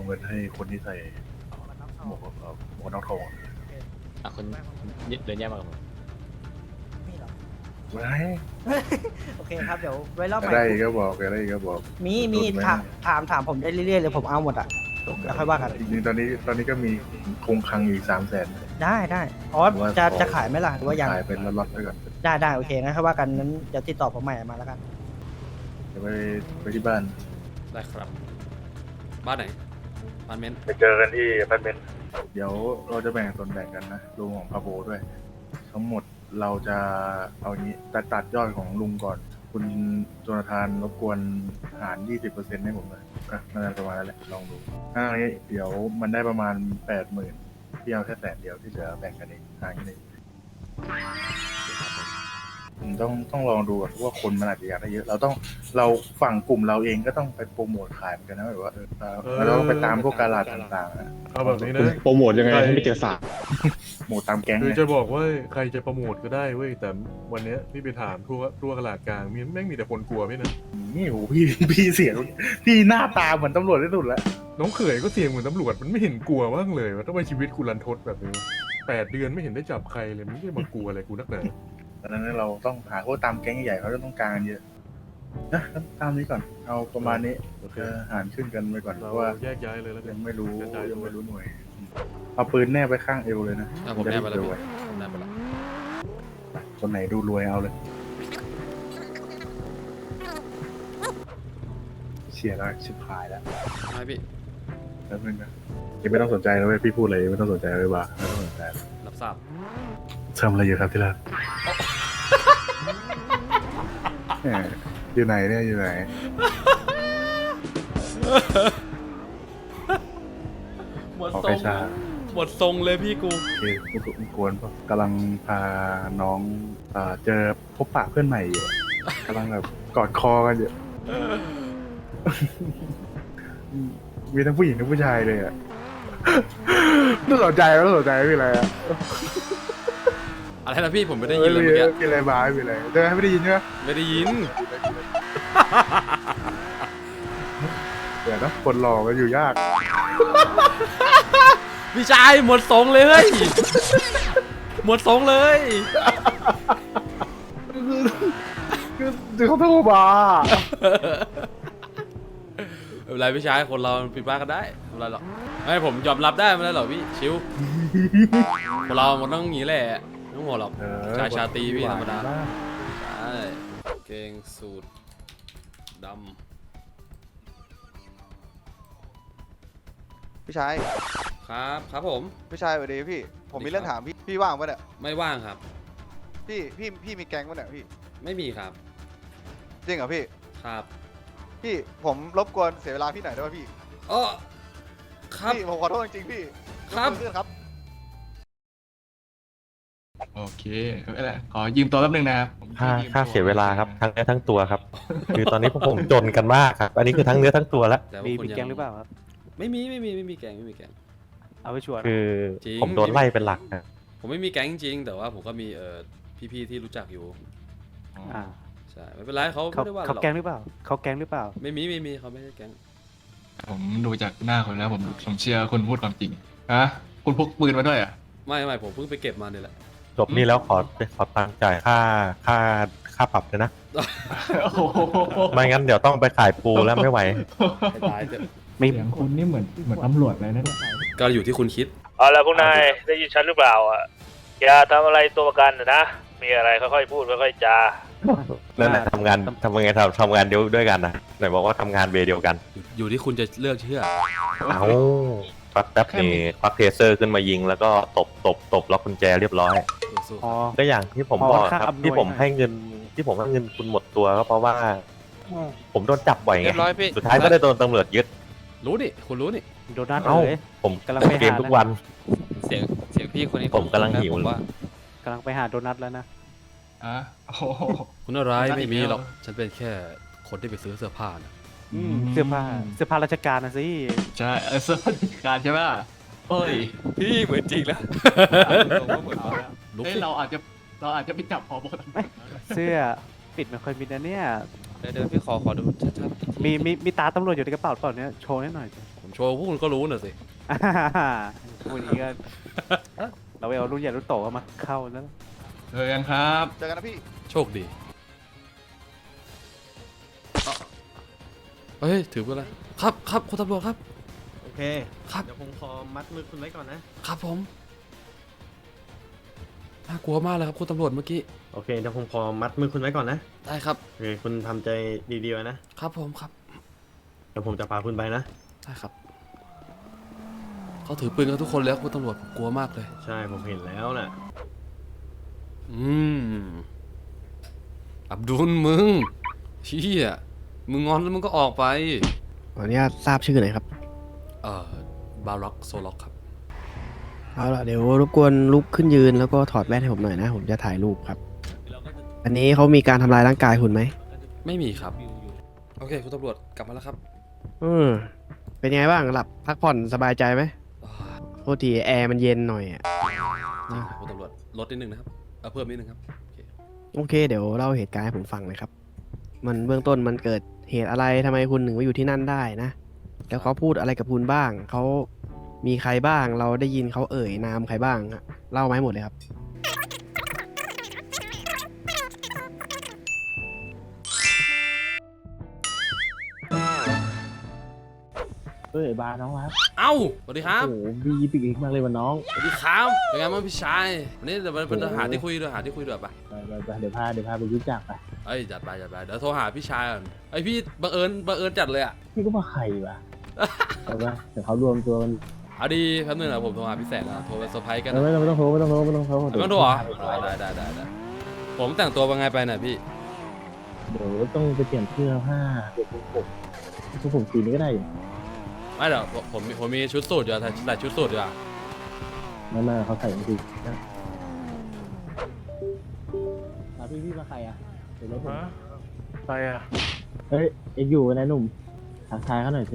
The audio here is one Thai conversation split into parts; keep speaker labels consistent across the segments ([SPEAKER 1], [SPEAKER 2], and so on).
[SPEAKER 1] เอาเงินให้คนที่ใส่หมวกนอกทอง
[SPEAKER 2] คนเดินแยกมากับผม
[SPEAKER 3] มีเหรอ
[SPEAKER 1] ไว้
[SPEAKER 3] โอเคครับเดี๋ยวไว้รอบใหม่
[SPEAKER 1] ได้ก็บอกได้ก็บอก
[SPEAKER 3] มีถามผมได้เรื่อยๆเลยผมเอาหมดอ่ะแล้วค่อยว่ากัน
[SPEAKER 1] จริงๆตอนนี้ก็มีคงคลังอยู่300,000
[SPEAKER 3] ได้อ๋อจะขายไหมล่ะหรือว่ายัง
[SPEAKER 1] ขายเป็นล็อตๆไปก่อน
[SPEAKER 3] ได้โอเคงั้นค่อยว่ากันนั้นเดี๋ยวติดต่อผมใหม่มาแล้วกัน
[SPEAKER 1] เดี๋ยวไปที่บ้าน
[SPEAKER 2] ได้ครับ บ้านไหนบ้านเม้น
[SPEAKER 1] ไปเจอกันที่อพาร์ตเมนต์เดี๋ยวเราจะแบ่งส่วนแบ่งกันนะลุงของพาโบด้วย ทั้งหมดเราจะเอางี้ตัดยอดของลุงก่อน คุณโจนาธานรบกวนหาร 20% ให้ผมหน่อยก็น่าจะประมาณนั้นแหละลองดูถ้าอย่างนี้เดี๋ยวมันได้ประมาณ 80,000พี่เอาแค่100,000เดียวที่เหลือแบ่งกันเองหารกันเองต้องลองดูก่อนว่าคนมันอาจจะอยากได้เยอะเราฝั่งกลุ่มเราเองก็ต้องไปโปรโมทขายเหมือนกันนะแบบว่าเราต้องไปตามพวกกาลาดต่างๆนะ
[SPEAKER 4] เอาแบบนี้นะ
[SPEAKER 2] โปรโมทยังไงให้ไม่เจอสา
[SPEAKER 1] โมทตามแก๊ง
[SPEAKER 4] คือ
[SPEAKER 1] ไง
[SPEAKER 4] จะบอกว่าใครจะโปรโมทก็ได้เว้ยแต่วันเนี้ยพี่ไปถามทั่วตลาดกลางแม่งมีแต่คนกลัวพี่นะ
[SPEAKER 1] นี่โหพี่เสียงพี่หน้าตาเหมือนตำรวจที่สุดแล้ว
[SPEAKER 4] น้องเขยก็เสียงเหมือนตำรวจมันไม่เห็นกลัวบ้างเลยว่าทำไมชีวิตกูรันทดแบบนี้8 เดือนไม่เห็นได้จับใครเลยมันไม่ได้มากลัวอะไรกูนักหนา
[SPEAKER 1] ดังนั้นเราต้องหาพวกตามแก๊งใหญ่เขาจะต้องการกันเยอะนะตามนี้ก่อนเอาประมาณนี้
[SPEAKER 4] โอเค
[SPEAKER 1] หารขึ้นกันไปก่อนเพ
[SPEAKER 4] เรา
[SPEAKER 1] ราะว่า
[SPEAKER 4] แยกย้ายเลยแล้วกั
[SPEAKER 1] ยั
[SPEAKER 4] น
[SPEAKER 1] งไม่รู้
[SPEAKER 4] กระจาย
[SPEAKER 1] ยัง
[SPEAKER 4] ตัว
[SPEAKER 1] ไม่รู้หน่วยเอาปืนแนบไปข้างเอวเลยนะ
[SPEAKER 2] ผมแนบไปแล้ว
[SPEAKER 1] จะได้
[SPEAKER 2] ผมแนบไปแล้ว
[SPEAKER 1] คนไหนดูรวยเอาเลยเชียร์แล้วชิบหายแล้ว
[SPEAKER 2] ไม่พี่
[SPEAKER 1] แล้วนึงนะยังไม่ต้องสนใจแล้วเว้ยพี่พูดอะไรไม่ต้องสนใจเลยว่ะไม่ต้องสนใจ
[SPEAKER 2] รับทราบ
[SPEAKER 1] ทำอะไรอยู่ครับที่รักแหมอยู่ไหนเนี่ยอยู่ไหน
[SPEAKER 2] หมด
[SPEAKER 1] ขอ
[SPEAKER 2] ทร
[SPEAKER 1] ไป
[SPEAKER 2] ง
[SPEAKER 1] ชา
[SPEAKER 2] หมดทรงเลยพี่กู
[SPEAKER 1] โอเคไม่กวนปะกำลังพาน้องเจอพบปะเพื่อนใหม่อยู่กำลังแบบกอดคอกันอยู่ มีทั้งผู้หญิงทั้งผู้ชายเลยอ่ะต้องสนใจไม่มีอะไรอ่ะ
[SPEAKER 2] อะไรนะพี่ผมไม่ได้ยินเลยเมื่อกี้
[SPEAKER 1] มีอะไรบ้ามีอะไรเธอไม่ได้ยินใช่ไหม
[SPEAKER 2] ไม่ได้ยิน
[SPEAKER 1] เดี๋ยวนะคนหลอกกันอยู่ยาก
[SPEAKER 2] พี่ชายหมดทรงเลยเฮ้ยหมดทรงเลย
[SPEAKER 1] คือเขาโทรมา
[SPEAKER 2] ไม่เป็นไรพี่ชายคนเราผิดพลาดกันได้ไม่เป็นไรหรอกไม่ผมยอมรับได้ไม่เป็นไรหรอกพี่ชิวคนเรามันต้องอย่างนี้แหละไม่ต้องหัวหรอกชายชาตรีพี่ธรรมดาใช่เกงสูตรด
[SPEAKER 5] พี่ชาย
[SPEAKER 2] ำครับผม
[SPEAKER 5] พี่ชายสวัสดีพี่ ผมมีเรื่องถามพี่ว่างปะเนี่ย
[SPEAKER 2] ไม่ว่างครับ
[SPEAKER 5] พี่มีแก๊งปะเนี่ยพี่
[SPEAKER 2] ไม่มีครับ
[SPEAKER 5] จริงเหรอพี่
[SPEAKER 2] ครับ
[SPEAKER 5] พี่ผมรบกวนเสียเวลาพี่หน่อยได้ไหมพี่
[SPEAKER 2] อ๋อครับ
[SPEAKER 5] พี่ผมขอโทษจริงๆพี่
[SPEAKER 2] ครับ
[SPEAKER 5] ยกมือขึ้นครับ
[SPEAKER 6] โอเคไม่เป็นไรขอยืมตัวแป๊บนึงนะครับผม
[SPEAKER 7] ค่าเสียเวลาครับทั้งเนื้อทั้งตัวครับ คือตอนนี้พวกผมจนกันมากครับ อันนี้คือทั้งเนื้อทั้งตัวแล้ว
[SPEAKER 2] แต่ว่า
[SPEAKER 8] มี
[SPEAKER 2] คุณยัง
[SPEAKER 8] แก๊งหรือเปล่าครับ
[SPEAKER 2] ไม่มีแก๊งไม่มีแก๊ง
[SPEAKER 8] เอาไปชวน
[SPEAKER 7] คือ
[SPEAKER 2] จริง
[SPEAKER 7] ผมโดนไล่เป็นหลักนะ
[SPEAKER 2] ผมไม่มีแก๊งจริงๆแต่ว่าผมก็มีพี่ๆที่รู้จักอยู่
[SPEAKER 8] อ่า
[SPEAKER 2] ใช่ไม่เป็นไรเขา
[SPEAKER 8] เขา
[SPEAKER 2] ไม่ได้ว่า
[SPEAKER 8] เขา
[SPEAKER 2] หรอก
[SPEAKER 8] แก๊งหรือเปล่าเขาแก๊งหรือเปล่า
[SPEAKER 2] ไม่มีเขาไม่ได้แก๊ง
[SPEAKER 6] ผมดูจากหน้าคนแล้วผมเชื่อคุณพูดความจริงฮะคุณพกปืนมาด้วยอ่ะ
[SPEAKER 2] ไม่ผมเพิ่งไปเก็บมาเนี่ยแหละ
[SPEAKER 7] จบนี่แล้วขอตังค์จ่ายค่าปรับเลยนะ
[SPEAKER 6] โอ้โห
[SPEAKER 7] ไม่งั้นเดี๋ยวต้องไปขายปูแล้วไม่ไหว
[SPEAKER 2] ให้ตายเถอะ
[SPEAKER 8] ไม่
[SPEAKER 6] เสียงคุณนี่เหมือนตำรวจเลยนะเนี่ย
[SPEAKER 2] ก็อยู่ที่คุณคิด
[SPEAKER 9] เอาละพวกนายได้ยินฉันหรือเปล่าอ่ะอย่าทำอะไรตัวประกันนะมีอะไรค่อยๆพูดค่อยๆจา
[SPEAKER 7] นั่นแหละทำงานด้วยกันนะไหนบอกว่าทำงานเวย์เดียวกัน
[SPEAKER 2] อยู่ที่คุณจะเลือกเชื่อ
[SPEAKER 7] เอาแป๊บนี่ควักเทเซอร์ขึ้นมายิงแล้วก็ตบล็อกกุญแจเรียบร้อย
[SPEAKER 2] สู้
[SPEAKER 8] อ๋อ
[SPEAKER 7] ก็อย่างที่ผมบอกครับ
[SPEAKER 8] ค่าอำนวย
[SPEAKER 7] ที่ผมให้เงินคุณหมดตัวก็เพราะว่า ผมโดนจับบ่อยไง
[SPEAKER 9] เรียบร้อยพี่
[SPEAKER 7] สุดท้ายก็ได้โดนตำรวจยึด
[SPEAKER 2] ๆรู้นี่คุณรู้นี่
[SPEAKER 8] โดนัท
[SPEAKER 7] เอ้า
[SPEAKER 8] เลย
[SPEAKER 7] ผม
[SPEAKER 8] กำลังไปหา
[SPEAKER 7] เกมทุกวัน
[SPEAKER 9] เสียงพี่คนนี้
[SPEAKER 7] ผมกำลังหิว
[SPEAKER 9] ผมว่า
[SPEAKER 8] กำลังไปหาโดนัทแล้วนะ
[SPEAKER 6] อ่ะโอ้โห
[SPEAKER 2] คุณอะไร
[SPEAKER 6] ไม่ได้
[SPEAKER 2] ไม่มี
[SPEAKER 6] อีกแล้ว
[SPEAKER 2] หรอกฉันเป็นแค่คนที่ไปซื้อเสื้อผ้านะ
[SPEAKER 8] เสื้อผ้าราชการนะสิ
[SPEAKER 6] ใช่เสื้อผ้าราชการใช่ป่ะเฮ้ย
[SPEAKER 9] พี่เหมือนจริงแล้ว
[SPEAKER 2] ลุก
[SPEAKER 6] เอ้ย
[SPEAKER 2] สิ
[SPEAKER 6] เราอาจจะไปจับพอบต
[SPEAKER 8] เสื้อปิดไม่ค่อยมิดนะเนี่ย
[SPEAKER 9] เดี๋ยวพี่ขอดูชัดๆ
[SPEAKER 8] มีตาตำรวจอยู่ในกระเป๋าเปล่าเนี่ยโชว์ให้หน่อยสิ
[SPEAKER 2] คุณโชว์พวกคุณก็รู้น่ะสิ
[SPEAKER 8] วันนี้ก็ เราไปเอารุ่นใหญ่รุ่นโตเข้ามาเข้าแล้ว
[SPEAKER 6] เจอกันครับ
[SPEAKER 5] เจอกันนะพี่
[SPEAKER 2] โชคดีเฮ้ยถือไปเลยครับครับคุณตำรวจครับ
[SPEAKER 3] โอเค
[SPEAKER 2] ครับ
[SPEAKER 3] เดี๋ยวผมขอมัดมือคุณไว้ก่อนนะครับ
[SPEAKER 2] ผมน่ากลัวมากเลยครับคุณตำรวจเมื่อกี้
[SPEAKER 3] โอเคเดี๋ยวผมขอมัดมือคุณไว้ก่อนนะ
[SPEAKER 2] ได้ครับ
[SPEAKER 3] โอเคคุณทำใจดีๆไว้นะครับ
[SPEAKER 2] ผมครับ
[SPEAKER 3] เดี๋ยวผมจะพาคุณไปนะ
[SPEAKER 2] ได้ครับเขาถือปืนกันทุกคนแล้วคุณตำรวจผมกลัวมากเลย
[SPEAKER 3] ใช่ผมเห็นแล้วน่ะ
[SPEAKER 2] อับดุลมึงเชี่ยมึงงอนแล้วมึงก็ออกไป
[SPEAKER 10] ขออนุญาตทราบชื่อหน่อยครับ
[SPEAKER 2] บาร็อกโซล็อกครับ
[SPEAKER 10] เอาล่ะเดี๋ยวรบกวนลุกขึ้นยืนแล้วก็ถอดแว่นให้ผมหน่อยนะ ผมจะถ่ายรูปครับ อันนี้เขามีการทำลายร่างกายคุณไหม
[SPEAKER 2] ไม่มีครับโอเคคุณตำรวจกลับมาแล้วครับ
[SPEAKER 10] เป็นไงบ้างหลับพักผ่อนสบายใจไหม
[SPEAKER 2] อ่า
[SPEAKER 10] โทษทีแอร์มันเย็นหน่อยอะ
[SPEAKER 2] จริงครับคุณตำรวจลดนิดนึงนะครับเพิ่มนิดนึงครับโอเค
[SPEAKER 10] โอเค เดี๋ยวเล่าเหตุการณ์ให้ผมฟังหน่อยครับ มันเบื้องต้นมันเกิดเหตุอะไรทำไมคุณถึงมาอยู่ที่นั่นได้นะ แล้วเขาพูดอะไรกับคุณบ้าง เขามีใครบ้าง เราได้ยินเขาเอ่ยนามใครบ้างอะเล่ามาให้หมดเลยครับ
[SPEAKER 8] บาร์น้องครับ
[SPEAKER 2] เอ้าสวัสดีครับ
[SPEAKER 8] โอ้บีปิกมากเลยวันน้อง
[SPEAKER 2] สวัสดีครับเป็นไงบ้างพี่ชายวันนี้เดี๋ยวไปหาที่คุยด้วยป่ะ
[SPEAKER 8] เดี๋ยวพาไปรู้จักไป
[SPEAKER 2] เอ้ยจัดไปเดี๋ยวโทรหาพี่ชายก่อนไอยพี่บังเอิญจัดเลยอ่ะ
[SPEAKER 8] พี่ก็มาใครวะเอาไปเดี๋ยวเขารวมตัวกัน
[SPEAKER 2] เอาดีแป๊บนึงนะผมโทรหาพี่แสงนะโทรไปเซอร์ไพรส์กันนะ
[SPEAKER 8] ไม่ต้องโทร
[SPEAKER 2] ไม่ต้องโทรเหรอได้ผมแต่งตัวเป็นไงไปน่ะพี่
[SPEAKER 8] เดี๋ยวต้องไปเปลี่ยนเสื้อผ้าเดี๋ยวผมสีนี้ก็ได้อยู่
[SPEAKER 2] ไม่เดี๋ยวผมมีชุดสูทอยู่แต่ชุดสูทอยู่อ่ะ
[SPEAKER 8] ไม่เขาใส่จริงพี่มาใครอ่ะเดี๋ยวรถผม
[SPEAKER 1] ไปอ่ะ
[SPEAKER 8] เฮ้ยเอ็กอยู่นะหนุ่มทักทายเขาหน่อยสิ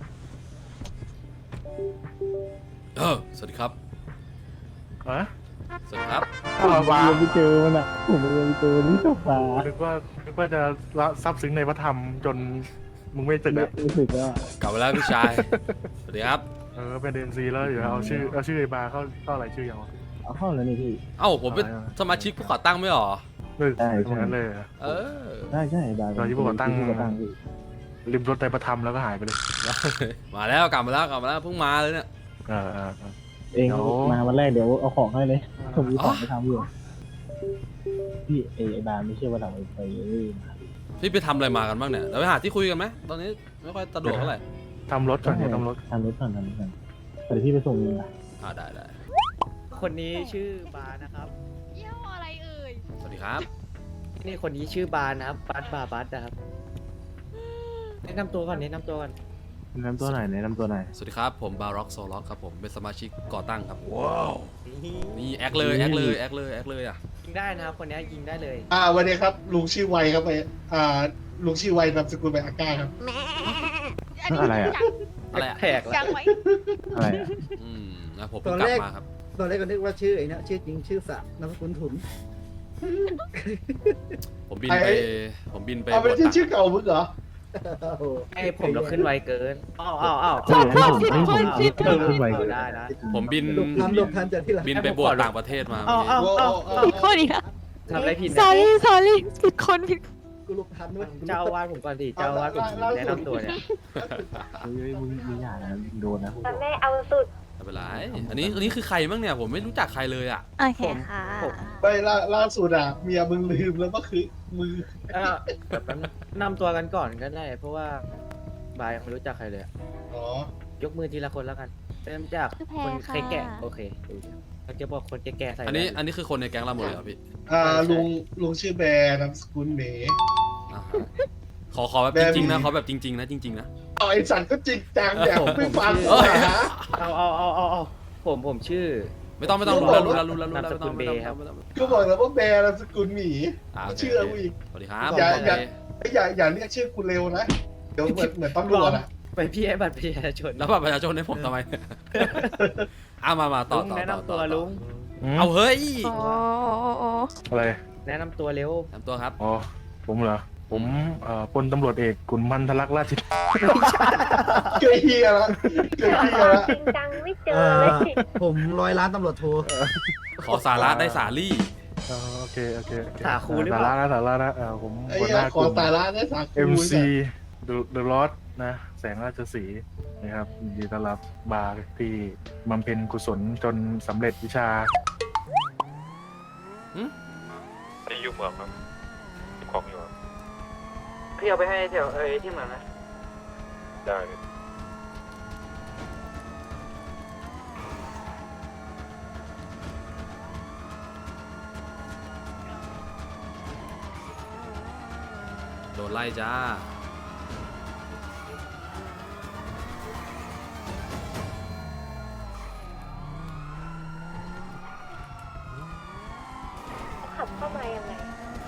[SPEAKER 2] สวัสดีครับ
[SPEAKER 1] ฮะ
[SPEAKER 2] สวัสดีครับ
[SPEAKER 1] ว้า
[SPEAKER 8] ผมไปเจอมันอ่ะผมไปเจอนี่ตกปลา
[SPEAKER 1] นึกว่าจะซับซึ้งในพระธรรมจนมึงไม่ตึกอ่ะ
[SPEAKER 8] รู้สึกว่า
[SPEAKER 2] กลับมาแล้วพี่ชาย สวัสดีครับ
[SPEAKER 1] เป็นDNCแล้วเดี๋ยวเอาชื่อไอ้บาร์เข้ารายชื่อยังวะ
[SPEAKER 8] เอาเข้าแล้วนี่พี่
[SPEAKER 2] เอ้าผมเป็นสมาชิกผู้ก่อตั้งไม่หรอ
[SPEAKER 8] ใช่
[SPEAKER 1] ตรงนั้นเลยอะ
[SPEAKER 2] เออ
[SPEAKER 8] ใช่บาร์
[SPEAKER 1] ตอนที่พวกเราตั้ง
[SPEAKER 8] พี่
[SPEAKER 1] ริมรถในพระธรรมแล้วก็หายไปเลย
[SPEAKER 2] มาแล้วกลับมาแล้วเพิ่งมาเลยเนี่ย
[SPEAKER 1] อ่า
[SPEAKER 8] เองมาวันแรกเดี๋ยวเอาของให้เลยผมมีของไปทำอยู่พี่ไอ้บาร์ไม่เชื่อว่าเราไป
[SPEAKER 2] พี่ไปทำอะไรมากันบ้างเนี่ยเดี๋ยวไปหาที่คุยกันไหมตอนนี้ไม่ค่อยสะดวกเท่าไหร่
[SPEAKER 1] ทำรถก่อนเนี่ยทำรถ
[SPEAKER 8] ก่อนเดี๋ยวพี่ไปส่งเองนะ
[SPEAKER 2] ได้
[SPEAKER 3] คนนี้ชื่อบาร์นะครับ
[SPEAKER 11] ยี่ห้ออะไรเอ่ย
[SPEAKER 2] สวัสดีครับ
[SPEAKER 3] นี่คนนี้ชื่อบาร์นะครับบัสนะครับแนะนำตัวก่อน
[SPEAKER 8] แนะนำตัวไหนอย
[SPEAKER 2] สวัสดีครับผมบาร็อกโซล็อกครับผมเป็นสมาชิกก่อตั้งครับว้าวนี่แอคเลยอ่ะ
[SPEAKER 3] ยิงได้นะครับคนนี้ยิงได้เลย
[SPEAKER 12] วันนี้ครับลุงชื่อไวครับลุงชื่อไวนามสกุลไวอาก้าครับ
[SPEAKER 8] อะไรอ่ะ
[SPEAKER 2] อะไรอ่ะ
[SPEAKER 3] แปลก
[SPEAKER 11] ยังไว้
[SPEAKER 8] อะไรอ่ะ
[SPEAKER 2] นะผมเพิ่งกลับมาครับ
[SPEAKER 12] ตอนแรกก็นึกว่าชื่อไอ้นะชื่อจริงชื่อสะนามสกุลถุน
[SPEAKER 2] ผมบินไป
[SPEAKER 12] เอาเป็นชื่อเก่ามึงเหรอ
[SPEAKER 3] ไอ้ผมเราขึ้นไวเกินอ้าว ได้นะ
[SPEAKER 2] ผมบิน
[SPEAKER 12] หลบทันจากที่หลัง
[SPEAKER 2] บินไปบวชต่างประเทศมา
[SPEAKER 11] ผิดคนอีกแล้ว
[SPEAKER 3] ทำอะไรผิด
[SPEAKER 11] sorry ผิดคนผิด
[SPEAKER 12] กูหลบทันด้วย
[SPEAKER 3] เจ้าวาดผมก่อนดิเจ้าวาดผมแนะนำตัวเนี่ย
[SPEAKER 8] มึงอย่านะโดนนะ
[SPEAKER 11] แม่เอาสุด
[SPEAKER 2] ไม่เป็นไรอันนี้คือใครบ้างเนี่ยผมไม่รู้จักใครเลยอ่ะ
[SPEAKER 11] โอเคค่ะ
[SPEAKER 12] ไปล่าสุดอ่ะเมียมึงลืมแล้วก็คือมือ
[SPEAKER 3] แบบนำตัวกันก่อนก็ได้ เพราะว่าบายยังไม่รู้จักใครเลย
[SPEAKER 12] อ๋อ
[SPEAKER 3] ยกมือทีละคนแล้วกันเริ่มจากคนแก่โอเคเราจะบอกคนแก่ใส่
[SPEAKER 2] อันนี้คือคนในแก๊งเราหมดเลยเหรอพี่
[SPEAKER 12] ลุงชื่อแบร์นามสกุลเหม
[SPEAKER 2] อ่าฮะขอแบบจริงๆนะขอแบบจริงๆนะจริงๆนะ
[SPEAKER 12] เอาไอ้สันก็จริงจังเนี่ยไม่ฟัง
[SPEAKER 2] เอ้ย
[SPEAKER 12] นะ
[SPEAKER 3] เอาผมชื่อ
[SPEAKER 2] ไม่ต้องรู้แล้ว
[SPEAKER 3] นามสกุลเบย์ครับ
[SPEAKER 12] ก็บอกแล้วว่าแบร์นามสกุลหมี
[SPEAKER 2] โค
[SPEAKER 12] เชื่อกูอีก
[SPEAKER 2] สวัสดีครับ
[SPEAKER 12] อย่า
[SPEAKER 2] โอเค
[SPEAKER 12] อย่าเรียกชื่อกูเร็วนะเดี๋ยวเหมือนตำรวจอ่ะ
[SPEAKER 3] ไปพี่ให้บัตรประชาชน
[SPEAKER 2] แล้วบัตรประชาชนให้ผมทำไม มาต่อ
[SPEAKER 3] ลุงแนะนำตัวลุง
[SPEAKER 2] เอาเฮ้ย
[SPEAKER 11] โอ้
[SPEAKER 1] อะไร
[SPEAKER 3] แนะนำตัวเร็ว
[SPEAKER 2] แนะนำตัวครับ
[SPEAKER 1] อ๋อผมเหรอผมพลตำรวจเอกขุนพันธลักษณ์ราช
[SPEAKER 12] เกยเฮียละเกยเฮียละ
[SPEAKER 11] จริงจังไม่เจอเลย
[SPEAKER 3] ผม100 ล้านตำรวจโทร
[SPEAKER 2] ขอสาระได้สาลี่
[SPEAKER 1] โอเคโอเค
[SPEAKER 3] สาคูหรือเปล่า
[SPEAKER 1] สาระนะผม
[SPEAKER 12] ไอ้
[SPEAKER 1] หัวห
[SPEAKER 12] เหี้ย
[SPEAKER 1] น้า
[SPEAKER 12] ข
[SPEAKER 1] ก
[SPEAKER 12] อ
[SPEAKER 1] ลุ่ม
[SPEAKER 12] สาระได้สาคู
[SPEAKER 1] MC The Lord นะแสงราชสีห์นะครับยินดีต้อนรับบาร์ที่บำเพ็ญกุศลจนสำเร็จวิชา
[SPEAKER 7] ที่อยู่เมืองครับของอยู่
[SPEAKER 3] พี่เอาไปให้แถวที่เหมือนนะ
[SPEAKER 7] ได้
[SPEAKER 2] โดนไล่จ้า
[SPEAKER 11] ขับเข้ามายังไง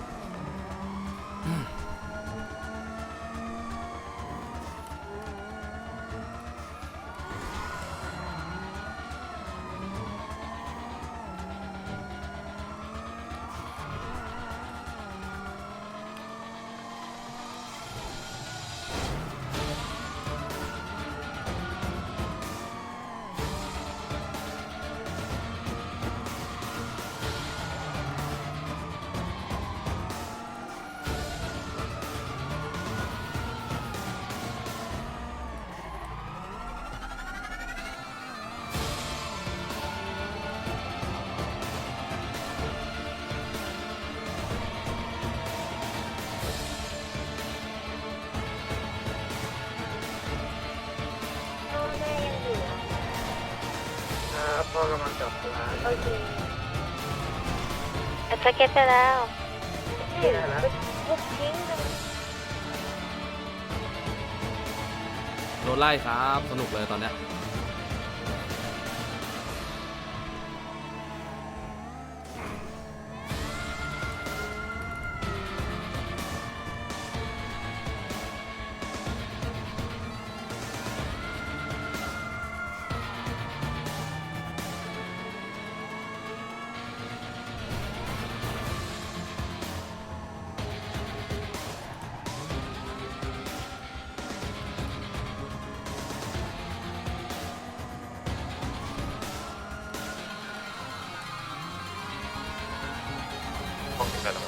[SPEAKER 11] พ่อแม่ยังอยู่เหรอ
[SPEAKER 3] ครับพ่อกำลังกลับร้าน
[SPEAKER 11] โอเคสเก็ตไปแล้วบุกทิ้งเลย
[SPEAKER 2] โดนไล่ครับ สนุกเลยตอนเนี้ย
[SPEAKER 7] ห้องนี้กันแล้ว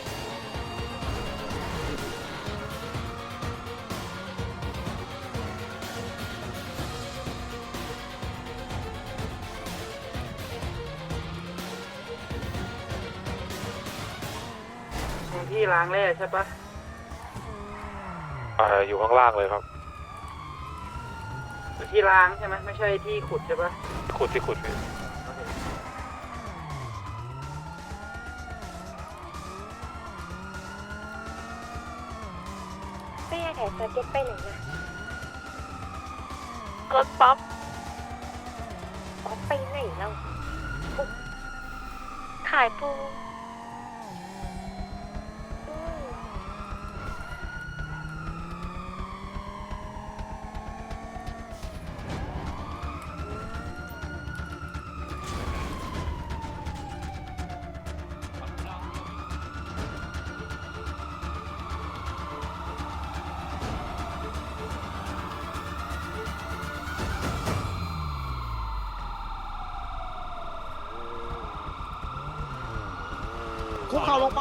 [SPEAKER 3] ที่ล้างแร่ใช่ปะ
[SPEAKER 7] อยู่ข้างล่างเลยครับ
[SPEAKER 3] ที่ล้างใช่ไหมไม่ใช่ที่ขุดใช่ปะ
[SPEAKER 7] ขุดที่ขุดพี่
[SPEAKER 11] แม่แต่สเก็ตไปไหนนะรถป๊อปป๊อปไปไหนแล้วปุ๊บขายปูอืม
[SPEAKER 3] คุกเข่าลงไป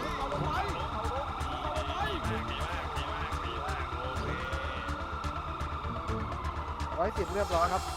[SPEAKER 13] 110เรียบร้อยครับ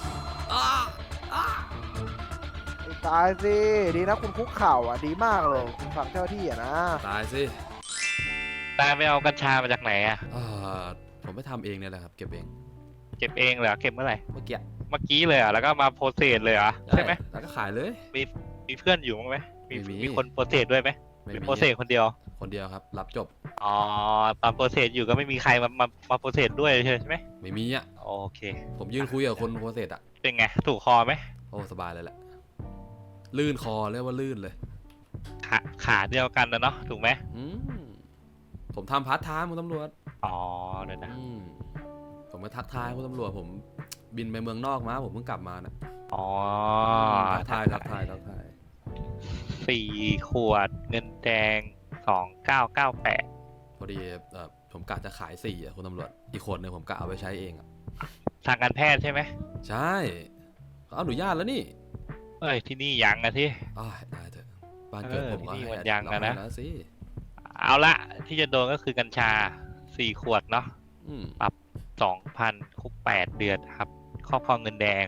[SPEAKER 13] ตายสิดีนะคุณคุกเข่าอ่ะดีมากเลยคุณฝั่งเจ้าที่อ่ะนะ
[SPEAKER 2] ตายสิ
[SPEAKER 9] ตายไปเอากัญชามาจากไหนอะ
[SPEAKER 2] ผมไม่ทำเองเนี่ยแหละครับ เก็บเอง
[SPEAKER 9] เก็บเองเหรอเก็บเมื่อไหร่
[SPEAKER 2] เมื่อกี้
[SPEAKER 9] เมื่อกี้เลยเหรอ่ะแล้วก็มาโพสเซสเลยเหรอ่ะใช่ไหม
[SPEAKER 2] แล้วก็ขายเลย
[SPEAKER 9] มีเพื่อนอยู่มั้งไหมมี
[SPEAKER 2] ไม่มี
[SPEAKER 9] มีคนโพสเซสด้วยไหม
[SPEAKER 2] ไม่
[SPEAKER 9] หรือ
[SPEAKER 2] มี
[SPEAKER 9] โพสเซสคนเดียว
[SPEAKER 2] คนเดียวครับ รับจบ
[SPEAKER 9] อ๋อตอนโพสเซสอยู่ก็ไม่มีใครมาโพสเซสด้วยใช่ไหม
[SPEAKER 2] ไม่มีอ่ะ
[SPEAKER 9] โอเค
[SPEAKER 2] ผมยืนคุยกับคนโพสเซสอ่ะ
[SPEAKER 9] เป็นไงถูกคอไหม
[SPEAKER 2] โอ้สบายเลยแหละ ลื่นคอเรียกว่าลื่นเลย
[SPEAKER 9] ขาเดียวกันนะเนาะถูกไหม
[SPEAKER 2] ผมทำพาร์ทไทม์คุณตำรวจ
[SPEAKER 9] อ๋อเดี๋ยวนะ
[SPEAKER 2] ผมก็ทักทายคุณตำรวจผมบินไปเมืองนอกมาผมเพิ่งกลับมานะ
[SPEAKER 9] อ๋อ
[SPEAKER 2] ทักทาย
[SPEAKER 9] 4 ขวดเงินแดง 2998
[SPEAKER 2] อดีผมกะจะขาย4อะคุณตำรวจอีกคนหนึ่งผมกะเอาไปใช้เองอะ
[SPEAKER 9] ทางการแพทย์ใช่ไหม
[SPEAKER 2] ใช่เขาอนุญาตแล้วนี่
[SPEAKER 9] เอ้ยที่นี่ยังอะที่
[SPEAKER 2] ได้เถอะบ้านเกิดผมก็
[SPEAKER 9] ที่นี่
[SPEAKER 2] ให้
[SPEAKER 9] มันยังอะนะ
[SPEAKER 2] แล้วสิ
[SPEAKER 9] เอาละที่จะโดนก็คือกัญชา4 ขวดเนาะ
[SPEAKER 2] อืม
[SPEAKER 9] ปรับ 2,000 คุก 8 เดือนครับครอบครองเงินแดง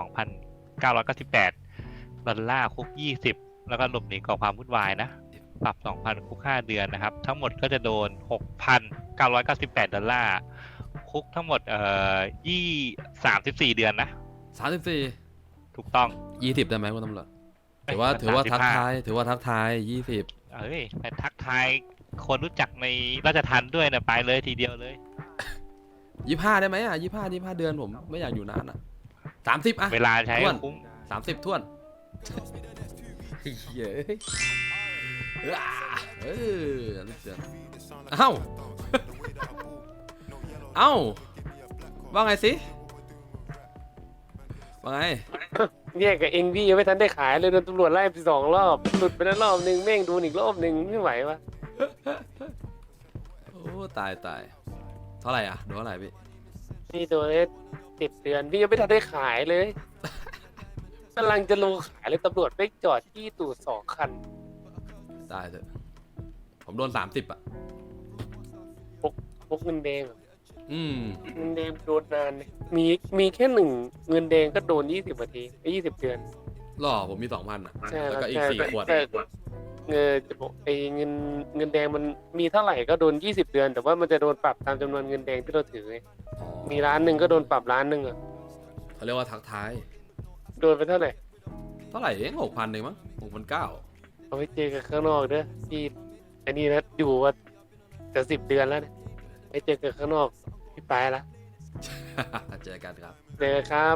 [SPEAKER 9] 2,998 ดอลลาร์คุก 20 แล้วก็หลบหนีก่อความวุ่นวายนะ ปรับ 2,000 คุก 5 เดือนนะครับ ทั้งหมดก็จะโดน 6,998 ดอลลาร์คุกทั้งหมด34 เดือนนะ
[SPEAKER 2] 34
[SPEAKER 9] ถูกต้อง
[SPEAKER 2] 20ได้ไหมคุณตำรวจ
[SPEAKER 9] เอ้ย
[SPEAKER 2] ถือว่าทัก
[SPEAKER 9] 35
[SPEAKER 2] ทาย20
[SPEAKER 9] เอ้ยไปทักทายคนรู้จักในราชทัณฑ์ด้วยนะไปเลยทีเดียวเลย
[SPEAKER 2] 25ได้ไหมอ่ะ25เดือนผมไม่อยากอยู่นานอ่ะ30อ่ะ
[SPEAKER 9] เวลาใช้
[SPEAKER 2] ท้วน
[SPEAKER 9] คุ้ม
[SPEAKER 2] 30ท้วนเย้ยนิดเดียวเอ้า เอ้าว่าไงสิว่าไง
[SPEAKER 3] เนี่ยกับเองพี่ยังไม่ทันได้ขายเลยโดนตำรวจไล่ไป2 รอบหลุดไปแล้วรอบนึงแม่งโดนอีกรอบนึงไม่ไหววะ
[SPEAKER 2] โอ้ตายเท่าไหร่อ่ะโดนเท่าไหร่พี่
[SPEAKER 3] พี่โดนได้10 เดือนพี่ยังไม่ทันได้ขายเลย กำลังจะลงขายเลยตำรวจไปจอดที่ตู่2 คัน
[SPEAKER 2] ตายเถอะผมโดน30อ่ะ
[SPEAKER 3] พวกเงินแดงเหรอ เงินแดงโดนนานเลยมีแค่1 เงินแดงก็โดน20 นาที20 เดือน
[SPEAKER 2] หล่อผมมี2,000อ่ะ
[SPEAKER 3] ใช่
[SPEAKER 2] แล้วก็อีก
[SPEAKER 3] ใช่
[SPEAKER 2] 4 ขวด
[SPEAKER 3] แต่จะบอกไอ้เงินแดงมันมีเท่าไหร่ก็โดน20 เดือน แต่ว่ามันจะโดนปรับตามจำนวนเงินแดงที่เราถือไงมี1 ล้านก็โดนปรับ1 ล้านอ่ะ
[SPEAKER 2] เขาเรียกว่าทักทาย
[SPEAKER 3] โดนไปเท่าไหร่
[SPEAKER 2] เท่าไหร่เอง6,000เองมั้ง6,900
[SPEAKER 3] เอาไว้เจอกันข้างนอกเด้อพี่อันนี้นะอยู่ว่าจะ10 เดือนแล้วเนี่ยไปเจอกันข้างนอกพี่ไปละ
[SPEAKER 2] เจอกันครับ
[SPEAKER 3] เจอครับ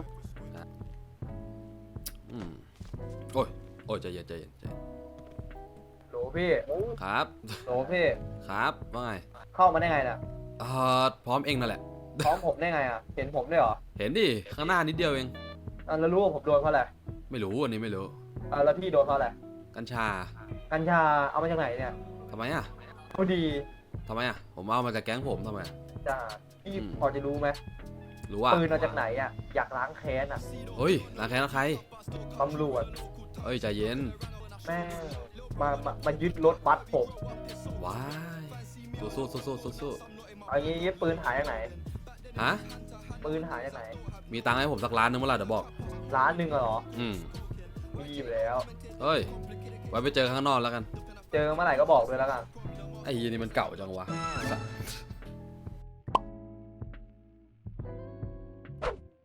[SPEAKER 2] โอ้ยใจเย็น
[SPEAKER 13] โหลพี่
[SPEAKER 2] ครับ
[SPEAKER 13] โหลพี่
[SPEAKER 2] ครับว่าไง
[SPEAKER 13] เข้ามาได้ไงน่ะ
[SPEAKER 2] พร้อมเองนั่นแหละ
[SPEAKER 13] พร้อมผมได้ไงอ่ะ เห็นผมด้วยเหรอ
[SPEAKER 2] เห็นดิข้างหน้านิดเดียวเอง
[SPEAKER 13] แล้วรู้ว่าผมโดนเพราะอะไร
[SPEAKER 2] ไม่รู้อันนี้ไม่รู้
[SPEAKER 13] แล้วพี่โดนเพราะอะไร
[SPEAKER 2] กัญชา
[SPEAKER 13] กัญชาเอามาจากไหนเนี่ย
[SPEAKER 2] ทำไมอ่ะ
[SPEAKER 13] พอดี
[SPEAKER 2] ทำไมอ่ะผมเอามาจากแก๊งผมทำไมอะ
[SPEAKER 13] จ้าพี่พอจะรู้ไหม
[SPEAKER 2] รู้ว่า
[SPEAKER 13] ปืนเอาจากไหนอ่ะ อยากล้างแค้นอ่ะ
[SPEAKER 2] เฮ้ยร้านแค่ใคร
[SPEAKER 13] ตำรวจ
[SPEAKER 2] เฮ้ยใจเย็น
[SPEAKER 13] แม่งมายึดรถบัสผม
[SPEAKER 2] ว้ายสู้
[SPEAKER 13] เอางี้ปืนหายจากไหน
[SPEAKER 2] ฮะ
[SPEAKER 13] ปืนหายจากไหน
[SPEAKER 2] มีตังค์ให้ผมสักล้านนึงเมื่อไหร่เดี๋ยวบอก
[SPEAKER 13] 1 ล้านเหรอ มีอยู่แล้ว
[SPEAKER 2] เฮ้ยไว้ไปเจอข้างนอกแล้วกัน
[SPEAKER 13] เจอเมื่อไหร่ก็บอกเลยแล้วกัน
[SPEAKER 2] ไอ้ยียนี่มันเก่าจังวะ